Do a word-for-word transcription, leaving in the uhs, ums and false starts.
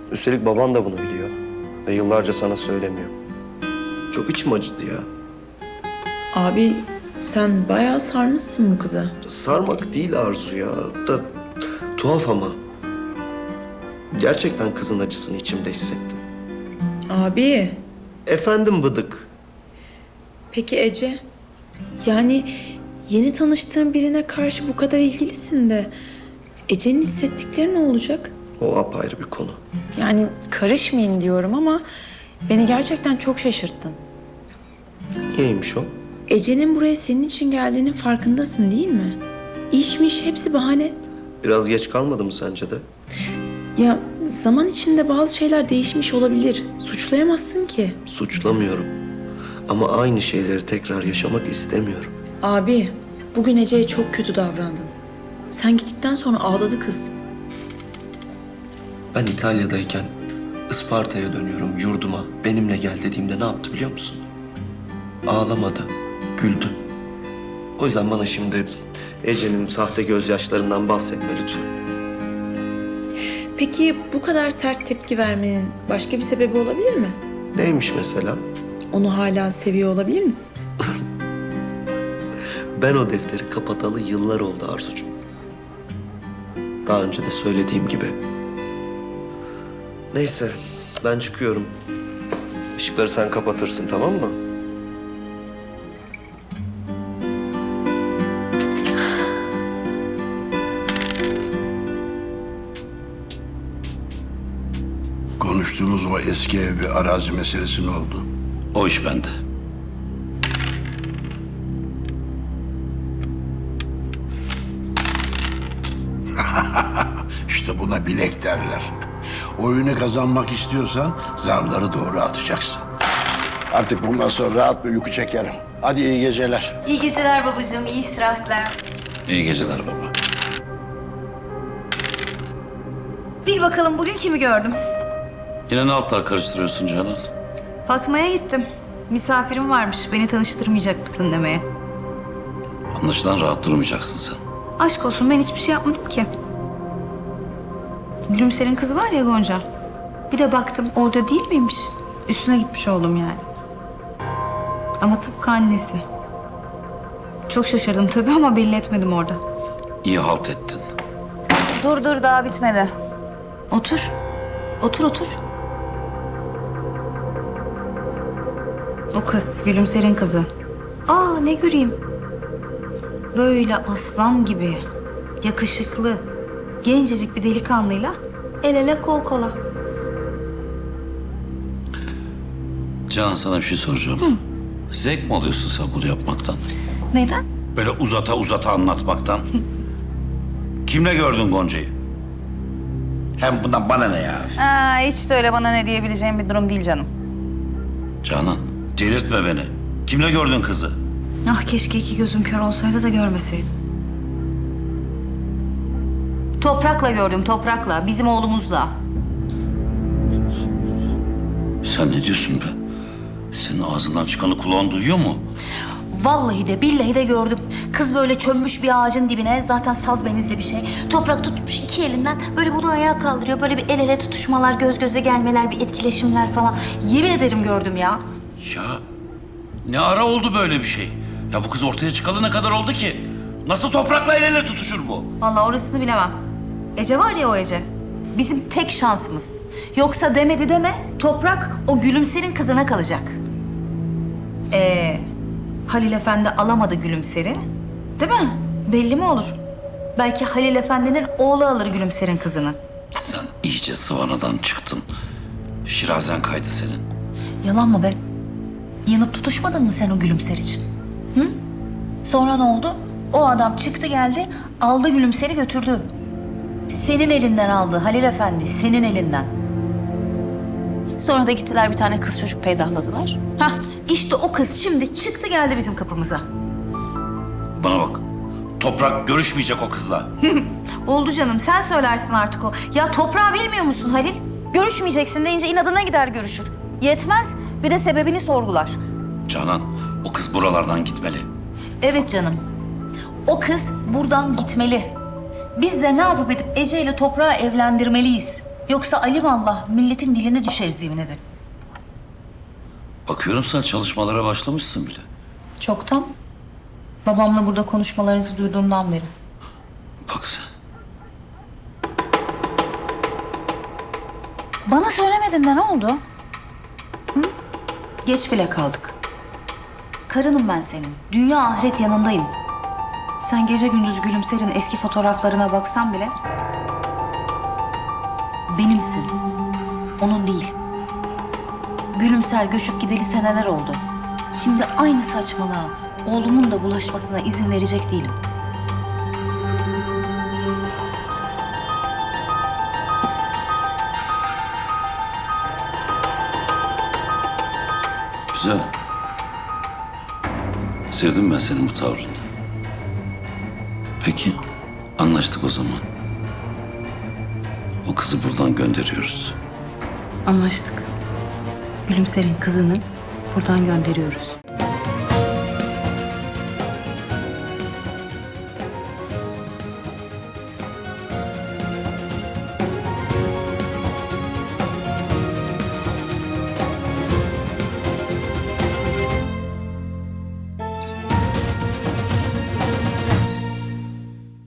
Üstelik baban da bunu biliyor. Ve yıllarca sana söylemiyor. Çok içim acıdı ya. Abi sen bayağı sarmışsın bu kıza. Sarmak değil Arzu ya. Da tuhaf ama. Gerçekten kızın acısını içimde hissettim. Abi Efendim Bıdık. peki Ece? Yani yeni tanıştığın birine karşı bu kadar ilgilisin de Ece'nin hissettikleri ne olacak? O apayrı bir konu. Yani karışmayayım diyorum ama beni gerçekten çok şaşırttın. Niyeymiş o? Ece'nin buraya senin için geldiğinin farkındasın değil mi? İşmiş hepsi bahane. Biraz geç kalmadı mı sence de? Ya zaman içinde bazı şeyler değişmiş olabilir. Suçlayamazsın ki. Suçlamıyorum. Ama aynı şeyleri tekrar yaşamak istemiyorum. Abi bugün Ece'ye çok kötü davrandın. Sen gittikten sonra ağladı kız. Ben İtalya'dayken Isparta'ya dönüyorum yurduma. Benimle gel dediğimde ne yaptı biliyor musun? Ağlamadı, güldü. O yüzden bana şimdi Ece'nin sahte gözyaşlarından bahsetme lütfen. Peki bu kadar sert tepki vermenin başka bir sebebi olabilir mi? Neymiş mesela? Onu hala seviyor olabilir misin? Ben o defteri kapatalı yıllar oldu Arzucuğum. Daha önce de söylediğim gibi. Neyse, ben çıkıyorum. Işıkları sen kapatırsın, tamam mı? Konuştuğumuz o eski ev ve arazi meselesi ne oldu? O iş bende. İşte buna bilek derler. Oyunu kazanmak istiyorsan zarları doğru atacaksın. Artık bundan sonra rahat bir uyku çekerim. Hadi iyi geceler. İyi geceler babacığım, iyi istirahatler. İyi geceler baba. Bil bakalım bugün kimi gördüm? Yine ne altlar karıştırıyorsun Canan? Fatma'ya gittim. Misafirim varmış, beni tanıştırmayacak mısın demeye. Anlaşılan rahat durmayacaksın sen. Aşk olsun, ben hiçbir şey yapmadım ki. Gülümser'in kızı var ya Gonca. Bir de baktım orada değil miymiş? Üstüne gitmiş oldum yani. Ama tıpkı annesi. Çok şaşırdım tabii ama belli etmedim orada. İyi halt ettin. Dur dur, daha bitmedi. Otur. Otur otur. O kız, Gülümser'in kızı. Aa, ne göreyim. Böyle aslan gibi, yakışıklı, gencecik bir delikanlıyla el ele kol kola. Canan sana bir şey soracağım. Zevk mi alıyorsun sen bunu yapmaktan? Neden? Böyle uzata uzata anlatmaktan. Kimle gördün Gonca'yı? Hem bundan bana ne ya? Aa, hiç de öyle bana ne diyebileceğim bir durum değil canım. Canan, delirtme beni. Kimle gördün kızı? Ah, keşke iki gözüm kör olsaydı da görmeseydim. Toprakla gördüm, Toprakla. Bizim oğlumuzla. Sen ne diyorsun be? Senin ağzından çıkanı kulağın duyuyor mu? Vallahi de billahi de gördüm. Kız böyle çömmüş bir ağacın dibine. Zaten saz benizli bir şey. Toprak tutmuş iki elinden. Böyle bunu ayağa kaldırıyor. Böyle bir el ele tutuşmalar, göz göze gelmeler, bir etkileşimler falan. Yemin ederim gördüm ya. Ya ne ara oldu böyle bir şey? Ya bu kız ortaya çıkalı ne kadar oldu ki? Nasıl toprakla el ele tutuşur bu? Vallahi orasını bilemem. Ece var ya, o Ece. Bizim tek şansımız. Yoksa demedi deme, Toprak o Gülümser'in kızına kalacak. Ee, Halil Efendi alamadı Gülümser'i. Değil mi? Belli mi olur? Belki Halil Efendi'nin oğlu alır Gülümser'in kızını. Sen iyice sıvanadan çıktın. Şirazen kaydı senin. Yalan mı be? Yanıp tutuşmadın mı sen o Gülümser için? Hı? Sonra ne oldu? O adam çıktı geldi, aldı Gülümser'i götürdü. Senin elinden aldı Halil Efendi, senin elinden. Sonra da gittiler bir tane kız çocuk peydahladılar. Hah, işte o kız şimdi çıktı geldi bizim kapımıza. Bana bak. Toprak görüşmeyecek o kızla. Oldu canım, sen söylersin artık o. Ya toprağı bilmiyor musun Halil? Görüşmeyeceksin deyince inadına gider görüşür. Yetmez, bir de sebebini sorgular. Canan, o kız buralardan gitmeli. Evet canım. O kız buradan gitmeli. Biz de ne yapıp edip Ece ile toprağı evlendirmeliyiz. Yoksa alimallah milletin diline düşeriz yemin ederim. Bakıyorum sen çalışmalara başlamışsın bile. Çoktan. Babamla burada konuşmalarınızı duyduğumdan beri. Bak sen. Bana söylemedin de ne oldu? Hı? Geç bile kaldık. Karınım ben senin. Dünya ahiret yanındayım. Sen gece gündüz Gülümser'in eski fotoğraflarına baksan bile... benimsin. Onun değil. Gülümser göçüp gideli seneler oldu. Şimdi aynı saçmalığa oğlumun da bulaşmasına izin verecek değilim. Güzel. Sevdim ben senin bu tavrını. Peki, anlaştık o zaman. O kızı buradan gönderiyoruz. Anlaştık. Gülümser'in kızını buradan gönderiyoruz.